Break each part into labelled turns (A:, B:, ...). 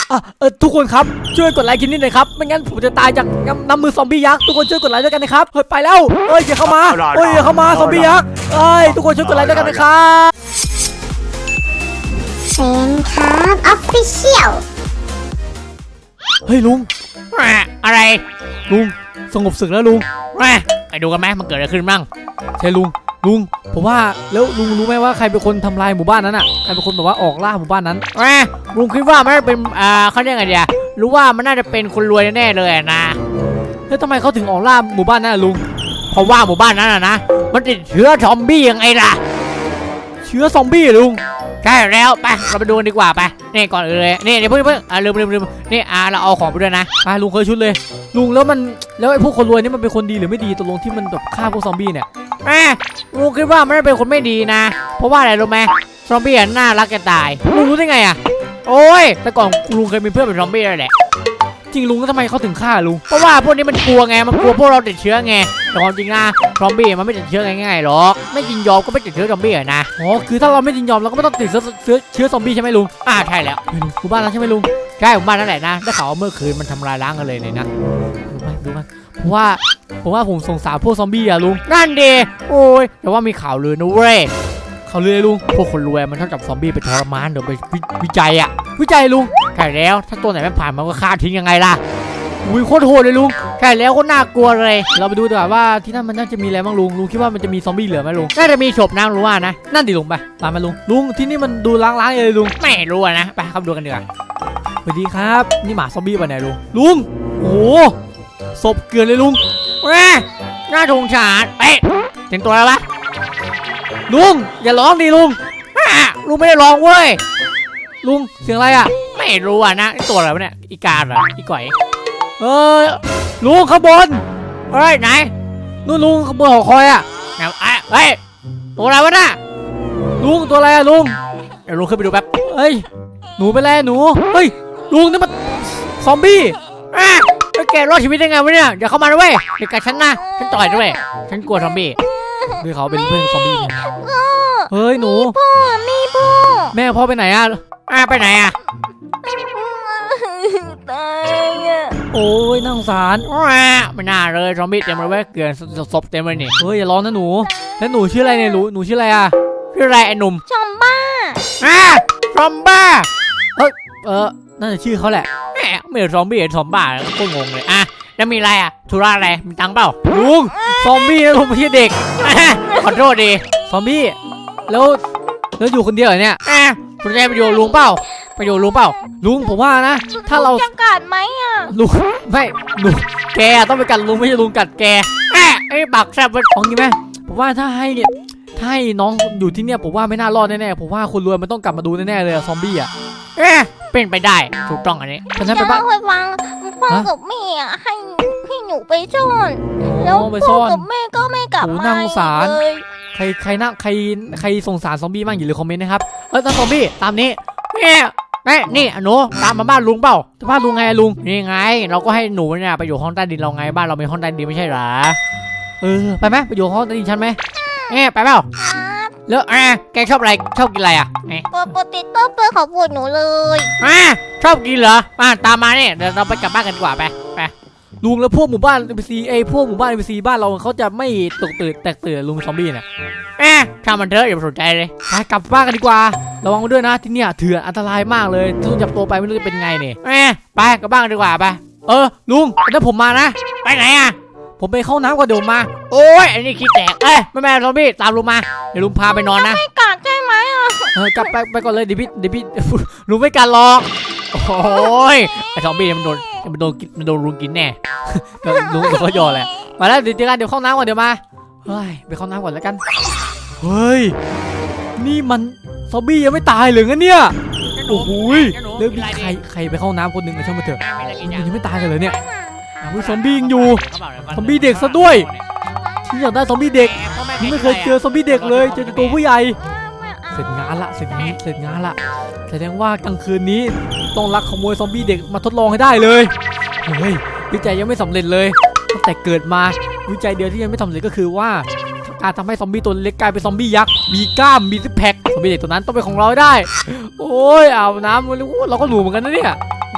A: ทุกคนครับช่วยกดไลค์คลิปนี้หน่อยครับไม่งั้นผมจะตายจากน้ำมือซอมบี้ยักษ์ทุกคนช่วยกดไลค์ด้วยกันนะครับเฮ้ยไปแล้วอย่าเข้ามาอย่าเข้ามาซอมบี้ยักษ์ทุกคนช่วยกดไลค์ด้วยกันนะครับ
B: เซนครับออฟฟิเชียล
A: เฮ้ยลุง
C: อะไร
A: ลุงสงบศึกแล้วลุง
C: ไปดูกันไหมมันเกิดอะไรขึ้นบ้าง
A: ใช่ลุงผมว่าแล้วลุงรู้ไหมว่าใครเป็นคนทำลายหมู่บ้านนั้นอ่ะใครเป็นคนแบบว่าออกล่าหมู่บ้านนั้น
C: ลุงคิดว่ามันเป็นเขาเรียกไงเดียรู้ว่ามันน่าจะเป็นคนรวยแน่เลยนะ
A: แล้วทำไมเขาถึงออกล่าหมู่บ้านนั้นลุง
C: เพราะว่าหมู่บ้านนั้นนะมันติดเชื้อซอมบี้ยังไงล่ะ
A: เชื้อซอมบี้ลุง
C: ใช่แล้วไปเราไปดูกันดีกว่าไปนี่ก่อนเลยนี่เดี๋ยวเพิ่งลืมนี่เราเอาของไปด้วยนะ
A: ไปลุงเคยชุดเลยลุงแล้วไอ้พวกคนรวยนี่มันเป็นคนดีหรือไม่ดีตกลงที่มันแบบฆ่าพวกซอมบี้เนี่ย
C: ลุงคิดว่ามันเป็นคนไม่ดีนะเพราะว่าอะไรรู้ไหมซอมบี้น่ารักจะตาย
A: ลุงรู้ได้ไงอ่ะ
C: โอ้ยแต่ก่อนลุงเคยมีเพื่อนเป็นซอมบี้เลยแหละ
A: จริงลุงก็ทำไมเขาถึงฆ่าลุง
C: เพราะว่าพวกนี้มันกลัวไงมันกลัวพวกเราติดเชื้อไงแต่ความจริงนะซอมบี้มันไม่ติดเชื้อง่ายๆหรอกไม่ยินยอมก็ไม่ติดเชื้อซอมบี้นะ
A: คือถ้าเราไม่ยินยอมเราก็ไม่ต้องติดเชื้อซอมบี้ใช่ไหมลุง
C: ใช่แล้ว
A: หมู่บ้านเราใช่ไหมลุง
C: ใช่หมู่บ้านนั่นแหละนะได้ข่าวว่าเมื่อคืนมันทำลายล้างกันเลยเนี่ยนะ
A: ดูมันเพราะว่าผมสงสารพวกซอมบี้อะลุง
C: นั่นดีโอ้ยแต่ว่ามีข่าวลือนะเว้ย
A: ข่าวลือลุง
C: พวกคนรวยมันชอบจับซอมบี้ไปทรมานเดี๋ยวไปวิจัยลุงใช่แล้วถ้าตัวไหนไม่ผ่านมันก็ฆ่าทิ้งยังไงล่ะ
A: โคตรโหดเลยลุง
C: ใช่แล้วก็น่ากลัวเลย
A: เราไปดูดีกว่าว่าที่นั่นมันน่าจะมีอะไรบ้างลุงคิดว่ามันจะมีซอมบี้เหลือไหมลุง
C: น่าจะมีศพนะรู้ว่านะ
A: นั่นดิลุงไปตามมาลุงที่นี่มันดูล้างเลยลุง
C: ไม่รู้นะไปเข้าดูกันดีกว่า
A: สวัสดีครับนี่หมาซอมบี้ไปไหนลุงโอ้ศพเกลือนเลยลุง
C: น่าสงสารเห็นตัวแล้วปะ
A: ลุงอย่าร้องดิลุง
C: ไม่ได้ร้องเว้ย
A: ลุงเสียงอะไรอ่ะ
C: ไม่รู้นะตัวอะไรวะเนี่ยอีกาเหรออีก๋อย
A: ลุงข้างบน
C: ไหน
A: นู่นลุงข้างบนหอคอยอ่ะ
C: ตัวอะไรวะน่ะ
A: ลุงตัวอะไรอ่ะลุง
C: เดี๋ยวลุงขึ้นไปดูแป๊บ
A: หนูไปแล้วหนูลุงนี่มันซอมบี้
C: แกรอดชีวิตได้ไงวะเนี่ยอย่าเข้ามาด้วยเด็กกับฉันนะฉันต่อยด้วยฉันกลัวซอมบี้
A: ด้วยเขาเป็นเพื่อนซอมบี้เฮ้ยหนู
B: พ่อ
A: แม่พ่อไปไหนอ่ะ
C: ไปไหนอ่ะ
B: ตายอ่ะ
A: โอ้ยน่าสงสาร
C: ไม่น่าเลยซอมบี้เต็มเลยเว้ยเกลือนศพเต็มเลยนี่
A: เฮ้ยอย่าร้องนะหนูแล้วหนูชื่ออะไรเนี่ยหนูชื่ออะไรอ่ะ
C: ชื่ออะไรไอ้หนุ่ม
B: ซอมบ้า
C: ซอมบ้า
A: น่าจะชื่อเขาแหละ
C: ไม่ซอมบี้ซอมบ้าก็งงเลยแล้วมีอะไรธุระอะไรมีตังเปล่า
A: ลุงซอมบี้นะลุงไม่ใช่เด็ก
C: ขอโทษดี
A: ซอมบี้แล้วอยู่คนเดียวเหรอเนี่ย
C: คุณจะไปอยู่ลุงเปล่า
A: ลุงผมว่านะถ้าเรา
B: จะกัดไหม
A: ลุงไม่ลุงแกต้องไปกัดลุงไม่ใช่ลุงกัดแก
C: ไอ้บักแซ่บ
A: ของงี้ไหมผมว่าถ้าให้น้องอยู่ที่เนี่ยผมว่าไม่น่ารอดแน่ๆผมว่าคนรวยมันต้องกลับมาดูแน่ๆเลยซอมบี้
C: เป็นไปได้ถูกต้องอันนี้
A: เพราะฉะนั้นไปบ้าน
B: ฟังพ่อกับแม่ให้หนูไปซ่อนแล้วพ่อกับแม่ก็ไม่กลับมา
A: น่าสงสารใครสงสารซอมบี้บ้างอย่าลืมคอมเมนต์นะครับถ้าซอมบี้ตามนี้
C: นี่หนูตามมาบ้านลุงเปล่า
A: บ้านลุงไงลุง
C: นี่ไงเราก็ให้หนูเนี่ยไปอยู่ห้องใต้ดินเราไงบ้านเรามีห้องใต้ดินไม่ใช่หรอ
A: ไปไหมไปอยู่ห้องใต้ดินฉันไหม
C: ไปเปล่าแล้วแกชอบอะไรชอบกินอะไร
B: ปกติต้มเปื่อยของปวดหนูเลย
C: ชอบกินเหรอตามมาเนี่ยเดี๋ยวเราไปกลับบ้านกันดีกว่าไป
A: ลุงแล้วพวกหมู่บ้าน NPC พวกหมู่บ้าน NPC บ้านเราเขาจะไม่แตกตื่นลุงซอมบี้เนี่ย
C: ถ้ามันเถอะอย่าไปสนใจเลย
A: ไปกลับบ้านกันดีกว่าระวังด้วยนะที่เนี่ยเถื่อนอันตรายมากเลยถ้าจับตัวไปไม่รู้จะเป็นไงเนี่ย
C: ไปกลับบ้านกันดีกว่าไป
A: ลุงถ้าผมมานะ
C: ไปไหน
A: ผมไปเข้าน้ำก่อนเดี๋ยวมา
C: โอ้ยอันนี้ขี้แตกแม่ซอมบี้ตามลุงมาเดี๋ยวลุงพาไปนอนนะ
B: ไม่กัดใช่ไหม
A: กลับไปก่อนเลยเดี๋ยวพี่
C: ลุงไม่กัดหรอกโอ้ยไอ้ซอมบี้มันโดนลุงกินแน่
A: ลุงก็ยอแหละมาแล้วเดี๋ยวเข้าน้ำก่อนเดี๋ยวมาไปเข้าน้ำก่อนแล้วกันเฮ้ยนี่มันซอมบี้ยังไม่ตายเลยงั้นเนี่ยโอ้โหเรื่องใครไปเข้าน้ำคนหนึ่งช่างมาเถอะยังไม่ตายกันเลยเนี่ยซอมบี้ยังอยู่ซอมบี้เด็กซะด้วยฉันอยากได้ซอมบี้เด็กไม่เคยเจอซอมบี้เด็กเลยเจอตัวผู้ใหญ่เสร็จงานละแสดงว่ากลางคืนนี้ต้องลักขโมยซอมบี้เด็กมาทดลองให้ได้เลยเฮ้ยวิจัยยังไม่สำเร็จเลยตั้งแต่เกิดมาวิจัยเดียวที่ยังไม่สำเร็จก็คือว่าการทำให้ซอมบี้ตัวเล็กกลายเป็นซอมบี้ยักษ์มีกล้ามมีซิกแพคซอมบี้เด็กตัวนั้นต้องเป็นของเราได้โอ้ยอาบน้ำเราก็หนูเหมือนกันนะเนี่ย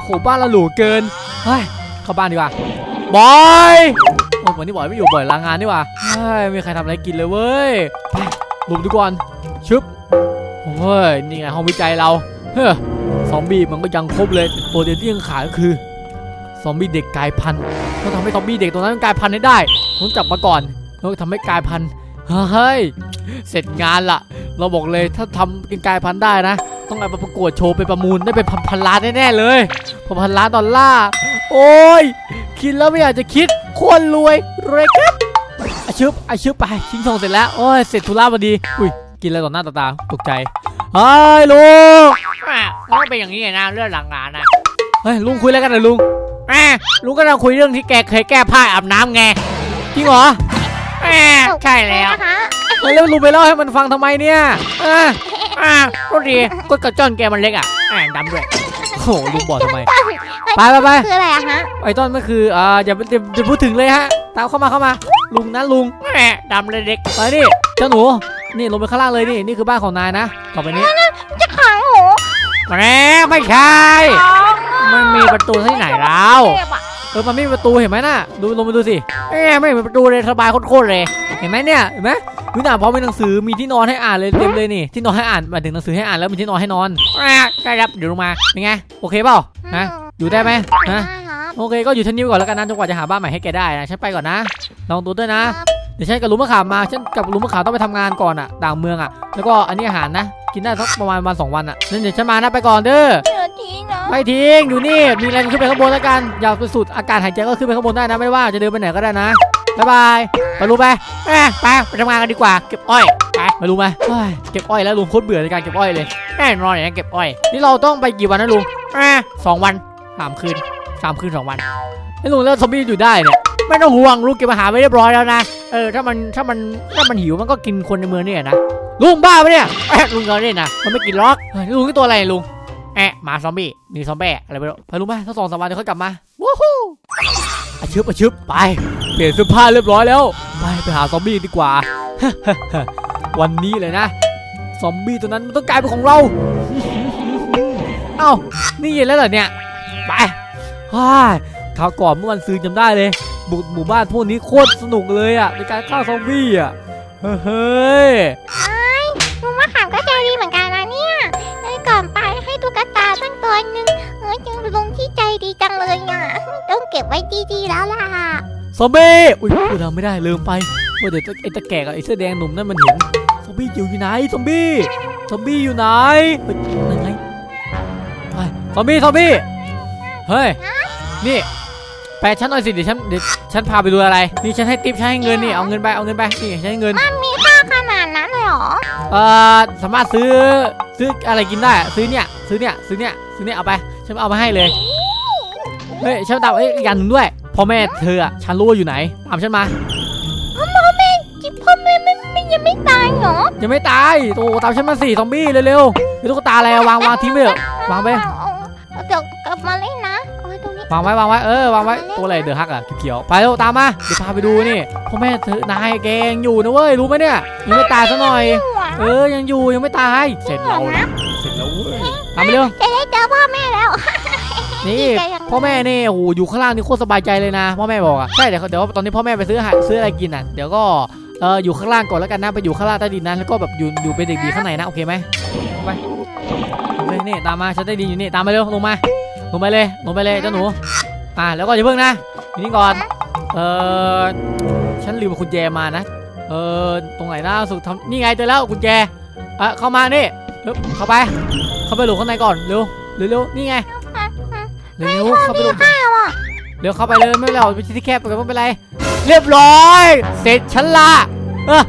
A: โหบ้านเราหรูเกินเฮ้ยเข้าบ้านดีกว่าบอยโอ้วันนี้บอยไม่อยู่บ่อยลางานดีกว่าเฮ้ยไม่มีใครทำอะไรกินเลยเว้ยไปหลบดีก่อนชึบโอ้ยนี่ไงห้องวิจัยเราเฮ้ยซอมบี้มันก็ยังครบเลยตัวเดียวที่ยังขาดก็คือซอมบี้เด็กกลายพันธุ์ต้องทำให้ซอมบี้เด็กตัวนั้นกลายพันธุ์ให้ได้ต้องจับมาก่อนแล้วทำให้กลายพันธุ์เฮ้ยเสร็จงานละเราบอกเลยถ้าทำเป็นกลายพันธุ์ได้นะต้องเอาไปประกวดโชว์ไปประมูลได้เป็นพันล้านแน่ๆเลยพันล้านดอลลาร์โอ้ยคิดแล้วไม่อยากจะคิดโคตรรวยครับอาชึบไปทิ้งทองเสร็จแล้วโอ้ยเสร็จธุระพอดีอุ้ยกินอะไรต่อหน้าต่อตาตกใจเฮ้ยลุง
C: มันก็เป็นอย่างนี้ไงนะเรื่องหลังงานนะ
A: เฮ้ยลุงคุยอะไรกันหน่อยลุง
C: ลุงก็เราคุยเรื่องที่แกเคยแก้ผ้าอาบน้ำไง
A: จริงเหรอ
C: ใช่แล้ว
B: นะคะ
A: แล้วลุงไปเล่าให้มันฟังทำไมเนี่ย
C: ก็ดีก็กระจ้อนแกมันเล็กดำด้วย
A: โอ้โหลุงบอกทำไมไป
B: คืออะไรอะฮะ
A: ไอ้ต้นก็คืออย่าพูดถึงเลยฮะตามเข้ามาลุงนะลุง
C: ดำเลยเด็ก
A: ไปนี่เจ้าหนูนี่ลงไปข้างล่างเลยนี่คือบ้านของนายนะต่อไปนี้
B: จะขังหนู
C: ไม่ใช่มันมีประตูที่ไหนแล้ว
A: มันไม่มีประตูเห็นไหมน่ะดูลงไปดูสิ
C: ไม่มีประตูเลยสบายโคตรเลย
A: เห็นไหมเนี่ยเห็นไหมวินาพร้อมมีหนังสือมีที่นอนให้อ่านเลยเต็มเลยนี่ที่นอนให้อ่านหมายถึงหนังสือให้อ่านแล้วมีที่นอนให้นอน
C: ได้ครับเดี๋ยวลงมา
A: เป็นไงโอเคเปล่านะอยู่ได้ไหม
B: ได้
A: นะครับ โอเคก็อยู่ที่นี่ก่อนแล้วกันนะจนกว่าจะหาบ้านใหม่ให้แกได้นะฉันไปก่อนนะลองดูด้วยนะ เดี๋ยวฉันกับลุงมะขามมาฉันกับลุงมะขามต้องไปทำงานก่อนอ่ะต่างเมืองอ่ะแล้วก็อันนี้อาหารนะกินได้สักประมาณวัน2 วันอ่ะนั่นเดี๋ยวฉันมานะไปก่อนเด้อ
B: เดี๋ยวทิ้งนะ
A: ไม่ทิ้งอยู่นี่มีอะไรขึ้นไปข้างบนแล้วกันอยากไปสูดอากาศหายใจก็ขึ้นไปข้างบนได้นะไม่ว่าจะเดินไปไหนก็ได้นะบ๊ายบายไปลุงไป
C: ไปทำงานกันดีกว่าเก็บอ้อยไป
A: ไปลุงไปเก็บอ้อยแล้วลุงโคตรเบื่อในการเก็บอ้อยเลย
C: แน่นอนอย่างนี้เก็บอ้อย
A: นี่เราต้องไปกี่วันนะลุง
C: 2 วัน
A: 3 คืน
C: 3 คืน 2 วัน
A: ไอ้ลุงแล้วซอมบี้อยู่ได้เนี่ย
C: ไม่ต้องห่วงลุงเก็บอาหารไว้เรียบร้อยแล้วนะถ้ามันหิวมันก็กินคนในเมืองนี่นะ
A: ลุงบ้าปะเนี่ย
C: ลุงก็เล่นนะมันไม่กินล็อก
A: เฮ้ยลุงนี่ตัวอะไรลุง
C: หมาซอมบี้มีซอมบี้อะไรไม่รู้
A: ไปลุงไปถ้า2-3 วันเดี๋ยวค่อยกลับมาวู้ฮู้อาชึบไปเปลี่ยนเสื้อผ้าเรียบร้อยแล้วไปหาซอมบี้ดีกว่า วันนี้เลยนะซอมบี้ตัวนั้นมันต้องกลายเป็นของเรา เอ้านี่เย็นแล้วเหรอเนี่ยไปคราวก่อนเมื่อวันซื้อจำได้เลยบุกหมู่บ้านพวกนี้โคตรสนุกเลยอ่ะในการฆ่าซอมบี้อ่ะเฮ้ย
B: ลุงมะขามก็ใจดีเหมือนกันนะเนี่ยเลยก่อนไปให้ตุ๊กตาตั้งตัวนึงจังลุงที่ใจดีจังเลยอ่ะต้องเก็บไว้ดีๆแล้วล่ะ
A: ซอมบี้อุ้ยพูดทำไม่ได้ลืมไปว่าเดี๋ยวไอ้ตะแก่กับไอ้เสื้อแดงหนุ่มนั่นมันเห็นซอมบี้อยู่ไหนซอมบี้อยู่ไหนยังไงซอมบี้เฮ้ยนี่แปลฉันหน่อยสิเดี๋ยวฉันพาไปดูอะไรนี่ฉันให้ทิปฉันให้เงินนี่เอาเงินไปนี่ฉันให้เงิน
B: มันมีค่าขนาดนั้นเลยเหรอ
A: สามารถซื้ออะไรกินได้ซื้อเนี่ยเอาไปฉันเอามาให้เลยเฮ้ยฉันตามอีกอย่างหนึ่งด้วยพ่อแม่เธอฉันรู้ว่าอยู่ไหนตามฉันมา
B: จิพ่อแม่ไม่ยังไม่ตายเหรอ
A: ยังไม่ตายโตตามฉันมาสิซอมบี้เร็วๆมีตุ๊กตาอะไรวางทิ้งไปเถอะวางไป
B: เดี๋ยวกลับมาเล่นนะเอาไว้ตรงนี้
A: วางไว้วางไว้ตัวอะไรเดือดฮักอ่ะเขียวไปเร็วตามมาเดี๋ยวพาไปดูนี่พ่อแม่เธอนายแกยังอยู่นะเว้ยรู้ไหมเนี่ยยังไม่ตายซะหน่อยยังอยู่ยังไม่ตายเสร็จแล้วเว้ยตามไปเร็ว
B: จะได้เจอพ่อแม่แล้ว
A: นี่พ่อแม่นี่โอ้โหอยู่ข้างล่างนี่โคตรสบายใจเลยนะพ่อแม่บอกอ่ะใช่เดี๋ยวตอนนี้พ่อแม่ไปซื้ออะไรกินอ่ะเดี๋ยวก็อยู่ข้างล่างก่อนแล้วกันนะไปอยู่ข้างล่างใต้ดินนั้นแล้วก็แบบอยู่เป็นเด็กดีข้างในนะโอเคไหมไปนี่ตามมาฉันได้ดีอยู่นี่ตามมาเร็วลงไปเลยเจ้าหนูแล้วก็อย่าเพิ่งนะอยู่นี่ก่อนฉันลืมกุญแจมานะตรงไหนนะสุดทำนี่ไงเจอแล้วกุญแจเข้ามานี่เข้าไปหลบข้างในก่อนเร็วนี่ไงเร็วเข้าไปหลบเร็วเข้าไปเลยไม่เป็นไรไปที่แคบไปกันไม่เป็นไรเรียบร้อยเสร็จฉันละแล้ว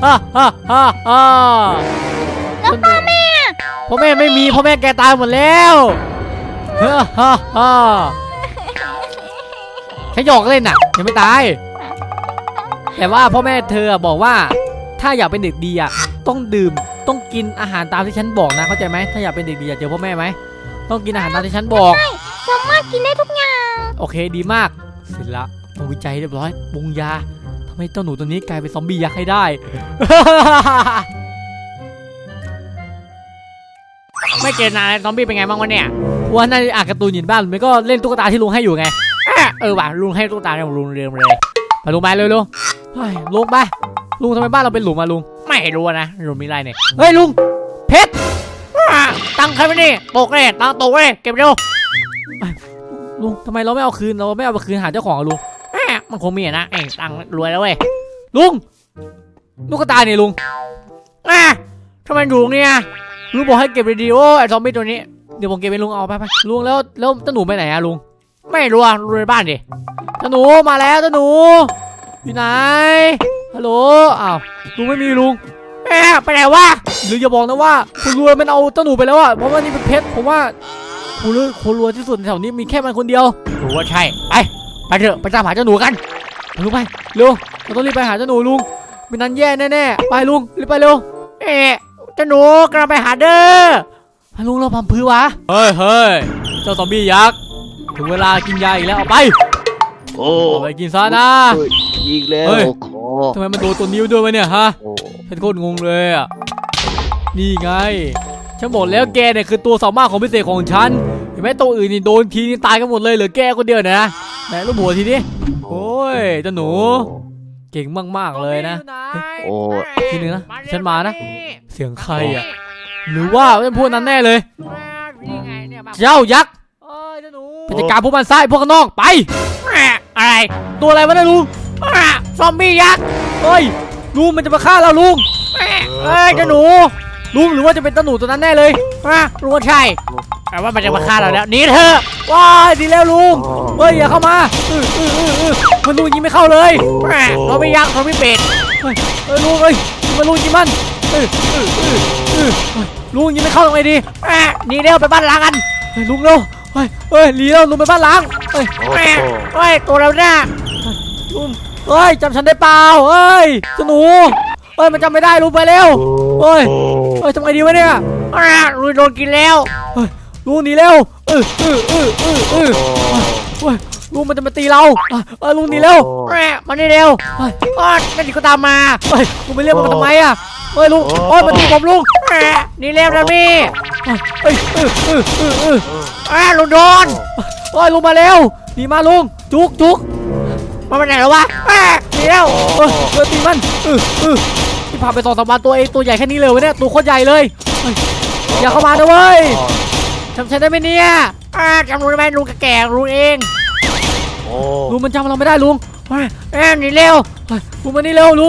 A: พ่อแม่ไม่มีพ่อแม่แกตายหมดแล้วแค่หยอกเล่นน่ะยังไม่ตายแต่ว่าพ่อแม่เธอบอกว่าถ้าอยากเป็นเด็กดีอ่ะต้องดื่มต้องกินอาหารตามที่ฉันบอกนะเข้าใจไหมถ้าอยากเป็นเด็กดีอยากเจอพ่อแม่ไหมต้องกินอาหารตามที่ฉันบอก
B: สามารถกินได้ทุกอย่าง
A: โอเคดีมากเสร็จละมาวิจัยเรียบร้อยปรุงยาทำให้เจ้าหนูตัวนี้กลายเป็นซอมบี้ยักษ์ให้ได้
C: ไม่เจอนานซอมบี้เป็นไงบ้างวะเนี่ย
A: โหว่าน่าจะอ่านการ์ตูนอยู่บ้านมันก็เล่นตุ๊กตาที่ลุงให้อยู่ไงว่ะลุงให้ตุ๊กตาเนี่ยลุงเรียมเลยไปลุงไปเร็วลุงลุงไปลุงทำไมบ้านเราเป็นหลุมอะลุงไม่รู้นะลุงมีอะไรเนี่ยเฮ้ยลุงเพชรตังค์ใครไม่นี่ตกเลยตังค์ตกเลยเก็บเร็วลุงทำไมเราไม่เอาคืนเราไม่เอาไปคืนหาเจ้าของลุงมันคงมีนะตังค์รวยแล้วเว้ยลุงตุ๊กตาเนี่ยลุงทำไมลุงเนี่ยลุงบอกให้เก็บดีๆโอ้ไอ้ซอมบี้ตัวนี้เดี๋ยวผมเก็บไปลุงเอาไปลุงแล้วเจ้าหนูไปไหนอะลุงไม่รู้อะลุงในบ้านดิเจ้าหนูมาแล้วเจ้าหนูอยู่ไหนฮัลโหลอ้าวลุงไม่มีลุงไปไหนวะหรืออย่าบอกนะว่าคุณรวยมันเอาเจ้าหนูไปแล้วอะเพราะว่านี่เป็นเพชรผมว่าคนรวยที่สุดแถวนี้มีแค่มันคนเดียวรู้ว่าใช่ไปเถอะไปตามหาเจ้าหนูกันลุงไปเร็วเราต้องรีบไปหาเจ้าหนูลุงไม่นั้นแย่แน่ๆไปลุงรีบไปเร็วเจ้าหนูกำลังไปหาเด้อลุงเราพัมพื้นวะเฮ้ยเจ้าซอมบี้ยักษ์ถึงเวลากินยาอีกแล้วเอาไปเอาไปกินซะนะ
D: อีกแล้วขอ
A: ทำไมมันโดนตัวนิ้วด้วยวะเนี่ยฮะฉันโคตรงงเลยอ่ะนี่ไงฉันบอกแล้วแกเนี่ยคือตัวสามารถของพิเศษของฉันเห็นไหมตัวอื่นนี่โดนทีนี่ตายกันหมดเลยเหลือแกคนเดียวนะไหนลูกหัวทีนี้โอ้ยเจ้าหนูเก่งมากๆเลยนะทีนึงนะฉันมานะเสียงใครอ่ะหรือว่าเป็นพวกนั้นแน่เลยเจ้ายักษ์ไปจัดการพวกมันซ้ายพวกข้างนอกไปอะไรตัวอะไรวะเนี่ยลุงซอมบี้ยักษ์เฮ้ยลุงมันจะมาฆ่าเราลุงเจ้าหนูลุงหรือว่าจะเป็นเจ้าหนูตัวนั้นแน่เลยลุงว่าใช่แต่ว่ามันจะมาฆ่าเราแล้วหนีเถอะว้ายดีแล้วลุงเฮ้ยอย่าเข้ามามันลุงยิงไม่เข้าเลยเราไม่ยักษ์เราไม่เป็ดลุงมันลุงยิงมันลุงยิงไม่เข้าตรงไหนดีหนีเร็วไปบ้านล้างกันลุงเร็วหนีเร็วลุงไปบ้านล้างตัวเราเนี่ยลุงจำฉันได้เปล่าเจ้าหนูมันจำไม่ได้ลุงไปเร็วทำไงดีวะเนี่ยลุงโดนกินแล้วลุงหนีเร็วลุงมันจะมาตีเราลุงหนีเร็วมานี่เร็วนั่นดิก็ตามมาลุงไปเรียกมันทำไมอ่ะลุงมันตีผมลุงหนีเร็วนะพี่ลุงโดนลุงมาเร็วหนีมาลุงจุกมันไปไหนแล้ววะหนีแล้วตีมันที่พาไป2-3 วันตัวใหญ่แค่นี้เลยวะเนี่ยตัวโคตรใหญ่เลยอย่าเข้ามานะเว้ยจำฉันได้ไหมเนี่ยจำลุงได้ไหมลุงแก่ลุงเองลุงมันจำเราไม่ได้ลุงหนีเร็วลุงมานี่เร็วลุง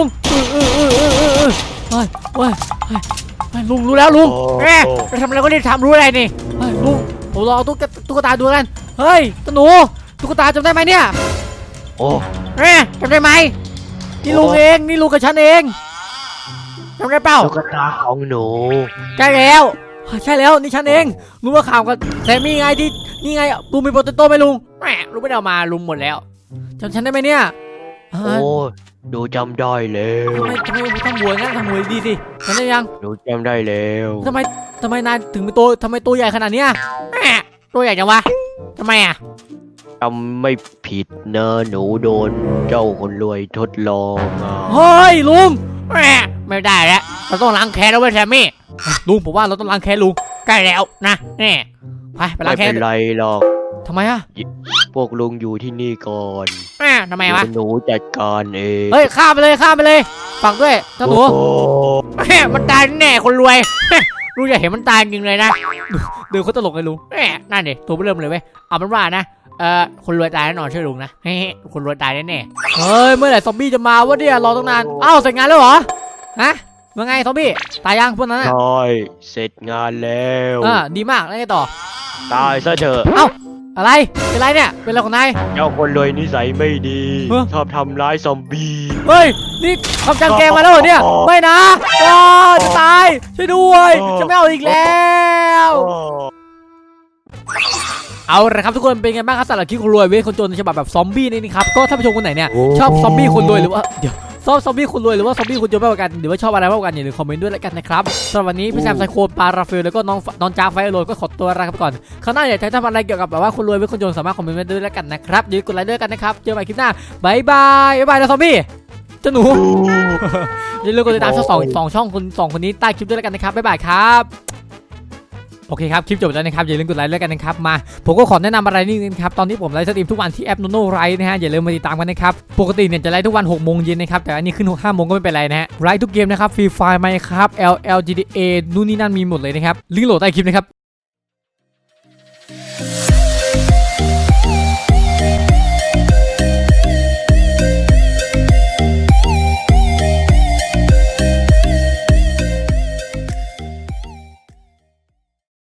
A: ลุงรู้แล้วลุงจะทำอะไรก็รีบทำรู้อะไรนี่ลุงผมรอตุ๊กตาดูกันเฮ้ยตาหนูตุ๊กตาจำได้ไหมเนี่ยจำได้ไหมนี่ลุงเองนี่ลุงกับฉันเองจำได้เปล่า
D: ตุ๊กตาของหนู
A: ใช่แล้วนี่ฉันเองลุงว่าข่าวกับแซมมี่ไงที่นี่ไงลุงมีโปเตโต้ไหมลุงลุงไม่ได้เอามาลุงหมดแล้วจำฉันได้ไหมเนี่ย
D: ดูจำได้แล้ว
A: ทำไมทำหัวงั้นทำหัวดีสิฉันได้ยัง
D: ดูจำได้แล้ว
A: ทำไมนายถึงเป็นทำไมตัวใหญ่ขนาดเนี้ยตัวใหญ่จังวะทำไมอ่ะ
D: จำไม่ผิดนะหนูโดนเจ้าคนรวยทดลอง
A: เฮ้ยลุงไม่ได้แล้วเราต้องล้างแค้นแล้วเว้ยแซมมี่ลุงผมว่าเราต้องล้างแค้นลุงใกล้แล้วนะนี่ไปล้างแค้น
D: ไม่เป็นไรหรอก
A: ทำไมอ่ะ
D: พวกลุงอยู่ที่นี่ก่อน
A: ทำไมวะ
D: หนูจัดการเอง
A: ข้ามไปเลยฝักด้วยเจ้าหนูมันตายแน่คนรวยลุงอยากเห็นมันตายจริงเลยนะดูเขาตลกเลยลุงนั่นดิตัวเริ่มเลยเว้ยเอาเป็นว่านะคนรวยตายแน่นอนเชื่อลุงนะคนรวยตายแน่เฮ้ยเมื่อไหร่ซอมบี้จะมาวะเนี่ยรอตั้งนานเสร็จงานแล้วเหรอฮะว่าไงซอมบี้ตายยังพวกนั้น
D: ใช่เสร็จงานแล้ว
A: ดีมากแล้วไงต่อ
D: ตายซะเถอะ
A: อะไรเป็นไรเนี่ยเป็นอะไรของนาย
D: เจ้าคนรวยนิสัยไม่ดีชอบทำร้ายซอมบี้
A: เฮ้ยนี่ทำจังแกมาแล้วเหรอเนี่ยไม่นะจะตายช่วยด้วยจะไม่เอาอีกแล้วเอาละครับทุกคนเป็นไงบ้างครับสำหรับคลิปคนรวยเว้ยคนจนฉบับแบบซอมบี้นี่ครับก็ถ้าผู้ชมคนไหนเนี่ยชอบซอมบี้คนรวยหรือว่าเดี๋ยวชอบซอมบี้คนรวยหรือว่าซอมบี้คนจนมากกว่ากันหรือว่าชอบอะไรมากกว่ากันอย่าลืมคอมเมนต์ด้วยแล้วกันนะครับสำหรับวันนี้พี่แซมไซโคปาราเฟลแล้วก็น้องจ้าไฟโรยก็ขอตัวลาไปก่อนคราวหน้าอยากจะทำอะไรเกี่ยวกับแบบว่าคนรวยหรือคนจนสามารถคอมเมนต์ด้วยแล้วกันนะครับอย่าลืมกดไลค์ด้วยกันนะครับเจอกันใหม่คลิปหน้าบายบายนะซอมบี้เจ้าหนูอย่าลืมกดติดตามช่อง2ช่องคน2คนนี้ใต้คลิปด้วยแล้วกันนะครับบ๊ายบายครับโอเคครับคลิปจบแล้วนะครับอย่าลืมกดไลค์แล้วกันนะครับมาผมก็ขอแนะนำอะไรนิดนึงครับตอนนี้ผมไลฟ์สตรีมทุกวันที่แอป Nono Live นะฮะอย่าลืมมาติดตามกันนะครับปกติเนี่ยจะไลฟ์ทุกวัน6 โมงเย็นนะครับแต่อันนี้ขึ้น5 โมงก็ไม่เป็นไรนะฮะไลฟ์ทุกเกมนะครับฟรีไฟล์ไหมครับ LLGDA นู่นนี่นั่นมีหมดเลยนะครับลิงก์โหลดใต้คลิปนะครับ